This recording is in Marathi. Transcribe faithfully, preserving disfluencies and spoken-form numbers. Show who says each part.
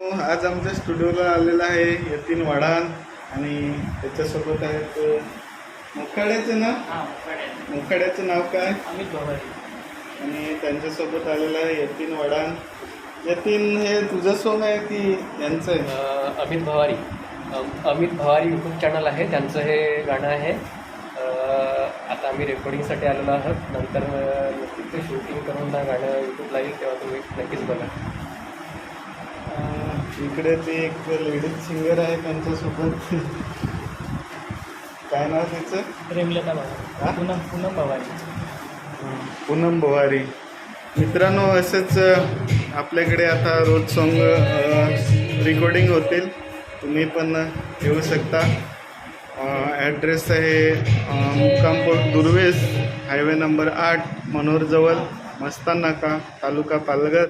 Speaker 1: आज आमच्या स्टुडिओला आलेला आहे यतीन वडान आणि त्याच्यासोबत आहेत मोखाड्याचं ना मोखाड्याचं नाव काय
Speaker 2: अमित भवारी
Speaker 1: आणि त्यांच्यासोबत आलेला आहे यतीन वडान. यतीन हे तुझं सॉन्ग आहे की यांचं आहे?
Speaker 2: अ, अमित भवारी अ- अमित भवारी यूट्यूब चॅनल आहे, त्यांचं हे गाणं आहे. अ, आता आम्ही रेकॉर्डिंगसाठी आलेलो आहोत. नंतर अ, नक्कीच ते शूटिंग करून ना गाणं यूट्यूबला येईल, तेव्हा तुम्ही नक्कीच बघा.
Speaker 1: अं, इकडे ती एक लेडीज सिंगर आहे त्यांच्यासोबत. काय नाव तिचं?
Speaker 2: प्रेमलता
Speaker 1: हा?
Speaker 2: भवारी पूनम पूनम भवारी.
Speaker 1: पूनम भवारी. मित्रांनो, असंच आपल्याकडे आता रोज सॉन्ग रेकॉर्डिंग होतील, तुम्ही पण येऊ शकता. ॲड्रेस आहे मुक्कामपूर दुर्वेस, हायवे नंबर आठ, मनोरजवळ, मस्तान नाका, तालुका पालघर.